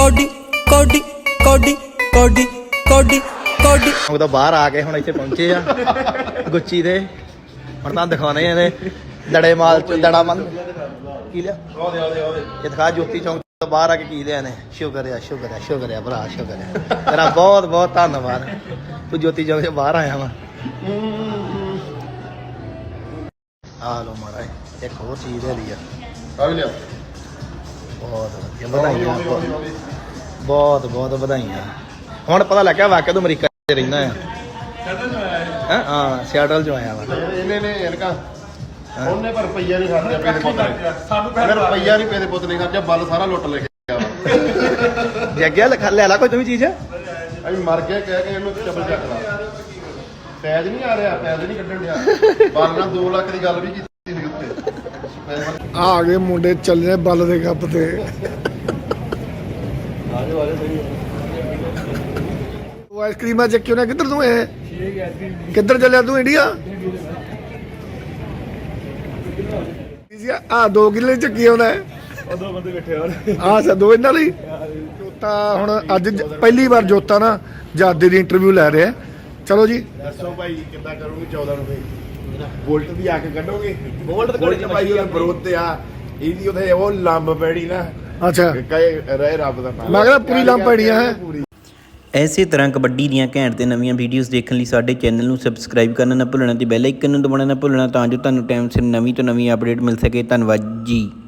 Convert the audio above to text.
Cody ਕੋਡੀ ਕੋਡੀ ਕੋਡੀ ਕੋਡੀ ਕੋਡੀ ਉਹ ਤਾਂ ਬਾਹਰ ਆ ਕੇ ਹੁਣ ਇੱਥੇ ਪਹੁੰਚੇ ਆ ਗੁੱਚੀ ਦੇ ਹੁਣ ਤਾਂ ਦਿਖਾਉਣੇ ਇਹਦੇ ਦੜੇ ਮਾਲ ਚ ਦੜਾ ਮੰਨ ਕੀ ਲਿਆ ਇਹ ਦਿਖਾ ਜੋਤੀ ਚੌਂਕ ਤੋਂ ਬਾਹਰ ਆ ਕੇ ਕੀ ਲਿਆ ਨੇ ਸ਼ੁਕਰ ਆ ਭਰਾ ਸ਼ੁਕਰ ਆ ਤੇਰਾ ਬਹੁਤ ਬਹੁਤ ਧੰਨਵਾਦ ਤੂੰ ਜੋਤੀ ਚੌਂਕ ਤੋਂ ਬਾਹਰ ਆਇਆ ਵਾ ਆ ਲੋ ਮਾਰਾ ਇੱਕ ਹੋਰ ਚੀਜ਼ ਹੈ ਲਈ ਆ ਲਿਆ ਬਹੁਤ ਵਧੀਆ ਵਧਾਈਆਂ ਬਹੁਤ ਬਹੁਤ ਵਧਾਈਆਂ ਹੁਣ ਪਤਾ ਲੱਗਿਆ ਵਾਕਿਆ ਤੂੰ ਅਮਰੀਕਾ 'ਚ ਰਹਿੰਦਾ ਆ ਹਾਂ ਸਿਆਟਲ 'ਚੋਂ ਆਇਆ ਵਾ ਇਹਨੇ ਨੇ ਇਨਕਾ ਉਹਨੇ ਪਰ ਰੁਪਈਆ ਨਹੀਂ ਖਰਚਿਆ ਪੇਦੇ ਪੁੱਤ ਨੇ ਸਾਨੂੰ ਰੁਪਈਆ ਨਹੀਂ ਪੇਦੇ ਪੁੱਤ ਨੇ ਖਰਚਿਆ ਬੱਲ ਸਾਰਾ ਲੁੱਟ ਲੈ ਗਿਆ ਜੱਗਿਆ ਲੈ ਲਾ ਕੋਈ ਤੂੰ ਵੀ ਚੀਜ਼ ਅਸੀਂ ਮਰ ਗਏ ਕਹਿ ਕੇ ਇਹਨੂੰ ਚੱਬਲ ਚੱਕ ਲਾ ਪੈਜ ਨਹੀਂ ਆ ਰਿਹਾ ਪੈਜ ਨਹੀਂ ਕੱਢਣ ਡਿਆ ਬੱਲ ਨਾਲ 2 ਲੱਖ ਦੀ ਗੱਲ ਵੀ ਕੀਤੀ ਸੀ ਉੱਤੇ ਆ ਗਏ ਮੁੰਡੇ ਚੱਲੇ ਬੱਲ ਦੇ ਕੱਪ ਤੇ ਉਹ ਆਈਸਕ੍ਰੀਮਾਂ ਚੱਕਿਓ ਨਾ ਕਿੱਧਰ ਤੂੰ ਇਹ ਕਿੱਧਰ ਚੱਲਿਆ ਤੂੰ ਇੰਡੀਆ ਆ 2 ਕਿੱਲੇ ਚੱਕੀ ਆਉਂਦਾ ਉਹ 2 ਬੰਦੇ ਬੈਠੇ ਆ ਦੋ ਇਹਨਾਂ ਲਈ ਜੋਤਾ ਹੁਣ ਅੱਜ ਪਹਿਲੀ ਵਾਰ ਜੋਤਾ ਨਾ ਜਾਦੇ ਦੀ ਇੰਟਰਵਿਊ ਲੈ ਰਿਹਾ ਚਲੋ ਜੀ ਦੱਸੋ ਭਾਈ ਕਿੱਦਾਂ ਕਰੋਗੇ 14 ਨੂੰ ਬੋਲਟ ਵੀ ਆ ਕੇ ਕੱਢੋਗੇ ਬੋਲਟ ਭਾਈ ਉਹ ਬਰੋਤ ਤੇ ਆ ਇਹਦੀ ਉਹਦੇ ਉਹ ਲੰਬ ਪੈੜੀ ਨਾ ਅੱਛਾ ਕਹੇ ਰਹਿ ਰੱਬ ਦਾ ਨਾਮ ਮੈਂ ਕਹਿੰਦਾ ਪੂਰੀ ਲੰਬ ਪੈੜੀਆਂ ਹੈ ਇਸੇ ਤਰ੍ਹਾਂ ਕਬੱਡੀ ਦੀਆਂ ਘੈਂਟ ਤੇ ਨਵੀਆਂ ਵੀਡੀਓਜ਼ ਦੇਖਣ ਲਈ ਸਾਡੇ ਚੈਨਲ ਨੂੰ ਸਬਸਕ੍ਰਾਈਬ ਕਰਨਾ ਨਾ ਭੁੱਲਣਾ ਤੇ ਬੈਲ ਆਈਕਨ ਨੂੰ ਦਬਾਉਣਾ ਨਾ ਭੁੱਲਣਾ ਤਾਂ ਜੋ ਤੁਹਾਨੂੰ ਟਾਈਮ ਸਿਰ ਨਵੀਂ ਤੋਂ ਨਵੀਂ ਅਪਡੇਟ ਮਿਲ ਸਕੇ ਧੰਨਵਾਦ ਜੀ।